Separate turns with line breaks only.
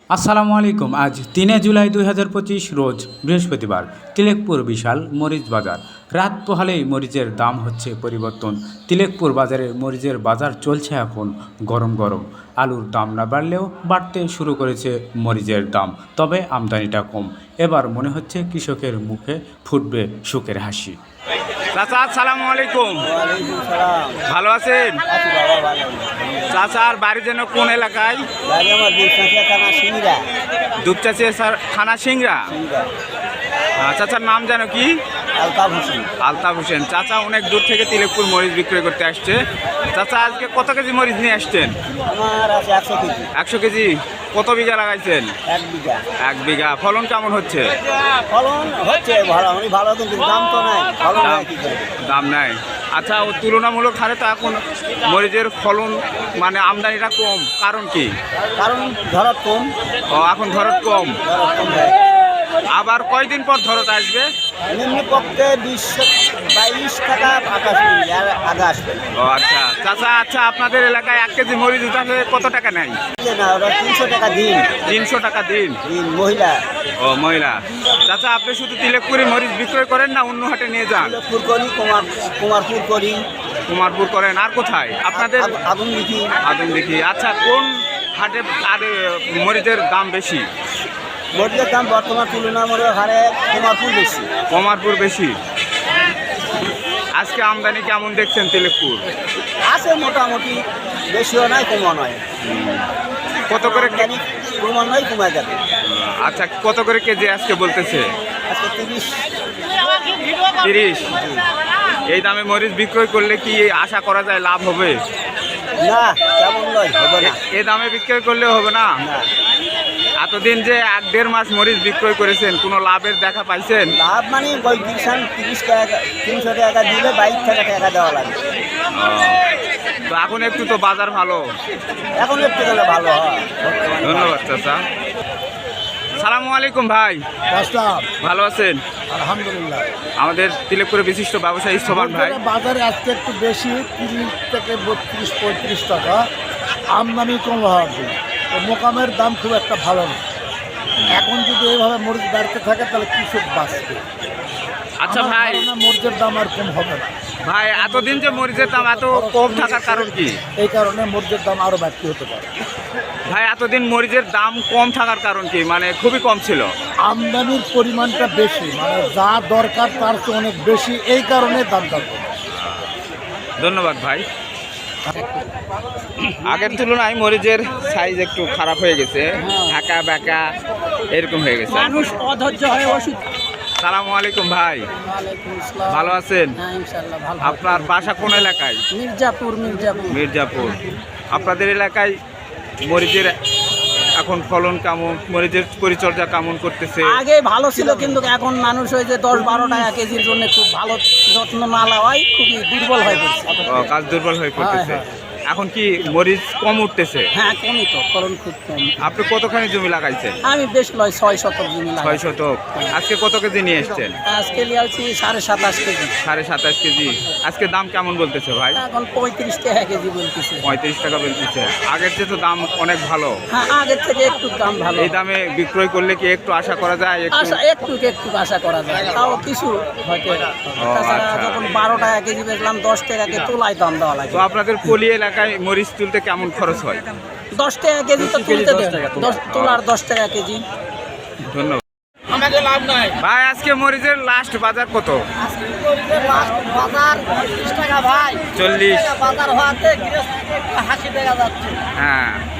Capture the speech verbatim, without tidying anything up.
আসসালামু আলাইকুম। আজ তিনে জুলাই দুই হাজার পঁচিশ রোজ বৃহস্পতিবার। তিলেকপুর বিশাল মরিচ বাজার। রাত পোহালেই মরিচের দাম হচ্ছে পরিবর্তন। তিলেকপুর বাজারে মরিচের বাজার চলছে এখন গরম গরম। আলুর দাম না বাড়লেও বাড়তে শুরু করেছে মরিচের দাম, তবে আমদানিটা কম। এবার মনে হচ্ছে কৃষকের মুখে ফুটবে সুখের হাসি।
চাচা আসসালামু আলাইকুম।
ওয়ালাইকুম সালাম।
ভালো আছেন?
আছি বাবা, ভালো আছি।
চাচার বাড়ি যেন কোন এলাকায়?
বাড়ি আমার দুপচাঁচিয়া থানা সিংড়া।
দুপচাচিয়া স্যার থানা সিংড়া।
সিংড়া।
আহ, চাচার নাম যেন কি?
আলতাফ হোসেন।
আলতাফ হোসেন। চাচা অনেক দূর থেকে তিলেকপুর মরিচ বিক্রয় করতে আসছে। চাচা আজকে কত কেজি মরিচ নিয়ে আসছেন?
আমার আছে একশো কেজি।
একশো কেজি। কত বিঘা লাগাইছেন?
এক বিঘা।
এক বিঘা। ফলন কেমন হচ্ছে?
ফলন হচ্ছে ভালো, আমি ভালো, কিন্তু দাম তো নাই। ফলন
দাম
হয় কি করে?
দাম নাই। আচ্ছা, ও তুলনামূলক হারে তো এখন মরিচের ফলন মানে আমদানিটা কম, কারণ কি?
কারণ ধরত কম।
ও এখন ধরত কম।
ধরত কম হয়।
আবার কয়দিন পর ধরত আসবে?
নিম্ন পক্ষে বিশ বাইশ টাকা আকাশ আর আগে আসবে না।
ও আচ্ছা চাচা, আচ্ছা আপনাদের এলাকায় এক কেজি মরিচ উঠাতে কত টাকা নেয়?
না, ওরা তিনশো টাকা দিন।
তিনশো টাকা দিন।
দিন মহিলা।
ও মহিলা। চাচা আপনি শুধু তিলেকপুরে মরিচ বিক্রয় করেন না অন্য হাটে নিয়ে যান?
ফুল করি, কুমার কুমারপুর করি,
কুমারপুর করেন। আর কোথায় আপনাদের?
আগুন লিখি।
আদম দেখি। আচ্ছা, কোন হাটে আর মরিচের দাম বেশি?
মরিচের দাম বর্তমান তুলনামূলক হারে কুমারপুর বেশি।
কুমারপুর বেশি। আজকে আমদানি কেমন দেখছেন তিলেকপুর?
আছে মোটামুটি, বেশিও নয় কমও নয়।
কত করে কে-
জানি কমও নয়, কমে যাবে।
আচ্ছা, কত করে কেজি আজকে বলতেছে?
আজকে তিরিশ।
তিরিশ। এই দামে মরিচ বিক্রয় করলে কি আশা করা যায় লাভ হবে?
না, তেমন নয়, হবে না।
এ- এ দামে বিক্রয় করলে হবে না।
না,
এতদিন যে এক দেড় মাস মরিচ বিক্রয় করেছেন, কোনো লাভের দেখা পাইছেন?
লাভ মানে ওই কিষান তিরিশ টাকা তিনশো টাকা দিলে বাইশ টাকা টাকা দেওয়া লাগে।
তো এখন একটু তো বাজার ভালো।
এখন একটু গেলে ভালো হয়।
ধন্যবাদ চাচা। সালামু আলাইকুম ভাই,
আসলাম।
ভালো আছেন?
আলহামদুলিল্লাহ।
আমাদের তিলেকপুরের বিশিষ্ট ব্যবসায়ী সোমান ভাই।
বাজারে আজকে একটু বেশি, তিরিশ থেকে বত্রিশ পঁয়ত্রিশ টাকা আমদানি কম হওয়ার জন্য তো মোকামের দাম খুব একটা ভালো না। এখন যদি এইভাবে মরিচ বাড়তে থাকে তাহলে কৃষক বাঁচবে।
আচ্ছা
আমার
ভাই,
ধারণা মরিচের দাম আর কম হবে না।
ভাই এতদিন যে মরিচের দাম এত কম থাকার কারণ কি?
এই কারণে মরিচের দাম আরও বাড়তি হতে পারে।
ভাই এতদিন মরিচের দাম কম থাকার কারণ কি? মানে খুবই কম ছিল।
আমদানির পরিমাণটা বেশি, মানে যা দরকার তার চেয়ে অনেক বেশি, এই কারণে দামটা কম।
ধন্যবাদ ভাই। আগের তুলনায় মরিচের সাইজ একটু খারাপ হয়ে গেছে, ঢাকা ব্যাকা এরকম হয়ে গেছে।
মানুষ অধৈর্য হয়ে ওষুধ।
সালামু আলাইকুম ভাই, ভালো আছেন?
হ্যাঁ, ইনশাল্লাহ ভালো।
আপনার বাসা কোন এলাকায়?
মির্জাপুর। মির্জাপুর।
মির্জাপুর। আপনাদের এলাকায় মরিচের এখন ফলন কেমন, মরিচের পরিচর্যা কেমন করতেছে?
আগে ভালো ছিল, কিন্তু এখন মানুষ হয়েছে দশ বারো টাকা কেজির জন্য খুব ভালো যত্ন না নেওয়ায় খুবই দুর্বল হয়ে পড়ছে।
ও, কাজ দুর্বল হয়ে পড়তেছে। এখন কি মরিচ কম উঠতেছে?
হ্যাঁ, কমই তো, ফলন খুব কম।
আপনি কতখানি জমি লাগাইছেন?
আমি বেশ লয় ছয় শতক জমি লাগাই।
ছয় শতক। আজকে কত কেজি নিয়ে এসছেন?
আজকে লিয়ালছি সাড়ে সাতাশ কেজি।
সাড়ে সাতাশ কেজি। আজকে দাম কেমন বলতেছে ভাই?
এখন পঁয়ত্রিশ টাকা কেজি বলতেছে।
পঁয়ত্রিশ টাকা বলতেছে। আগের চেয়ে তো দাম অনেক ভালো।
হ্যাঁ, আগের থেকে একটু দাম ভালো।
এই দামে বিক্রয় করলে কি একটু আশা করা যায়? একটু
আশা একটু একটু আশা করা যায়, তাও কিছু হয়তো। তাছাড়া
আচ্ছা।
যখন বারো টাকা কেজি বেচলাম, দশ টাকাকে তোলায় দাম দেওয়া লাগে।
তো আপনাদের পলি এলাকায় মরিচ তুলতে কেমন খরচ হয়?
দশ টাকা কেজি তো তুলতে দেয়, দশ তোলার দশ টাকা কেজি।
ধন্যবাদ। ভাই আজকে মরিচের লাস্ট বাজার কত?
বাজার তিরিশ টাকা ভাই।
চল্লিশ।
বাজার হওয়াতে হাসি দেখা যাচ্ছে।
হ্যাঁ,